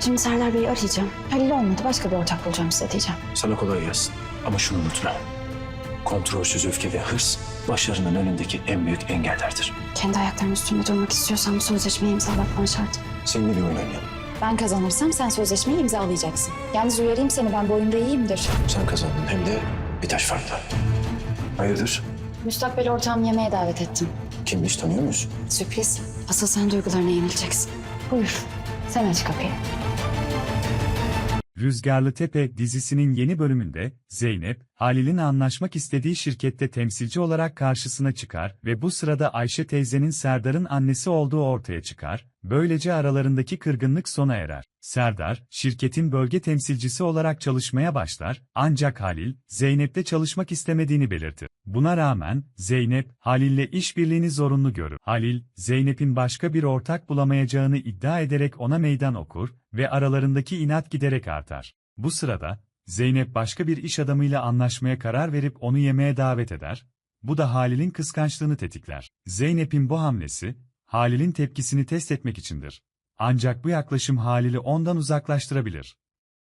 Şimdi Serdar Bey'i arayacağım. Halil olmadı, başka bir ortak bulacağım size diyeceğim. Sana kolay gelsin. Ama şunu unutma. Kontrolsüz öfke ve hırs başarının önündeki en büyük engellerdir. Kendi ayaklarımın üstünde durmak istiyorsam bu sözleşmeyi imzalatman şart. Seninle bir oyun oynayalım. Ben kazanırsam sen sözleşmeyi imzalayacaksın. Yalnız uyarayım seni, ben bu oyunda iyiyimdir. Sen kazandın hem de bir taş farkla. Hayırdır? Müstakbel ortağımı yemeğe davet ettim. Kimmiş, tanıyor musun? Sürpriz. Asıl sen duygularına yenileceksin. Buyur. Sen aç kapıyı. Rüzgarlı Tepe dizisinin yeni bölümünde Zeynep, Halil'in anlaşmak istediği şirkette temsilci olarak karşısına çıkar ve bu sırada Ayşe teyzenin Serdar'ın annesi olduğu ortaya çıkar, böylece aralarındaki kırgınlık sona erer. Serdar, şirketin bölge temsilcisi olarak çalışmaya başlar, ancak Halil, Zeynep'te çalışmak istemediğini belirtir. Buna rağmen, Zeynep, Halil'le işbirliğini zorunlu görür. Halil, Zeynep'in başka bir ortak bulamayacağını iddia ederek ona meydan okur ve aralarındaki inat giderek artar. Bu sırada, Zeynep başka bir iş adamıyla anlaşmaya karar verip onu yemeğe davet eder, bu da Halil'in kıskançlığını tetikler. Zeynep'in bu hamlesi, Halil'in tepkisini test etmek içindir. Ancak bu yaklaşım Halil'i ondan uzaklaştırabilir.